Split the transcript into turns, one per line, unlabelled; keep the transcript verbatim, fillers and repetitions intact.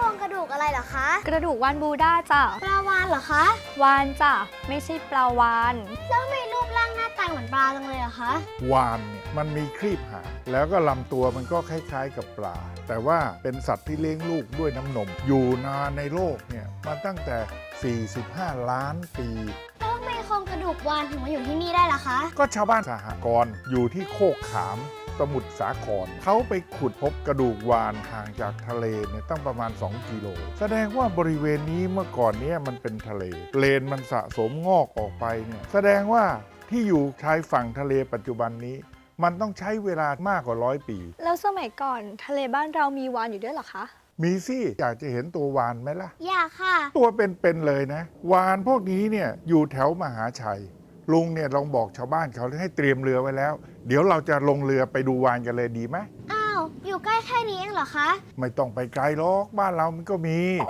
ครงกระดูกอะไรเหรอคะ
กระดูกวานบูด้าจ้ะ
ปลาวาฬเหรอคะ
วานจ้ะไม่ใช่ปลาวาน
แล้วทำไมรูปร่างหน้าตาเหมือนปลาจังเลยอะคะ
วาฬเนี่ยมันมีครีบหางแล้วก็ลำตัวมันก็คล้ายๆกับปลา แต่ว่าเป็นสัตว์ที่เลี้ยงลูกด้วยน้ำนม อยู่นานในโลกเนี่ยมาตั้งแต่ สี่สิบห้า ล้านปี
แล้วทำไมโครงกระดูกวาฬถึงมาอยู่ที่นี่ได้ล่ะคะ
ก็ชาวบ้านสหกรณ์อยู่ที่โคกขามสมุทรสาครเขาไปขุดพบกระดูกวาฬห่างจากทะเลเนี่ยตั้งประมาณ สองกิโลแสดงว่าบริเวณนี้เมื่อก่อนเนี้มันเป็นทะเลเลนมันสะสมงอกออกไปเนี่ยแสดงว่าที่อยู่ชายฝั่งทะเลปัจจุบันนี้ มันต้องใช้เวลามากกว่าร้อยปี
แล้วสมัยก่อนทะเลบ้านเรามีวานอยู่ด้วยเหรอคะ
มีสิอยากจะเห็นตัววาฬไหมล่ะ
อยากค่ะ
ตัวเป็นๆเลยนะ วาฬพวกนี้เนี่ยอยู่แถวมหาชัย ลุงเนี่ยลองบอกชาวบ้านเขาให้เตรียมเรือไว้แล้ว เดี๋ยวเราจะลงเรือไปดูวาฬกันเลยดีไหม
อ้าว อยู่ใกล้แค่นี้เองเหรอคะ
ไม่ต้องไปไกลหรอกบ้านเรามันก็มี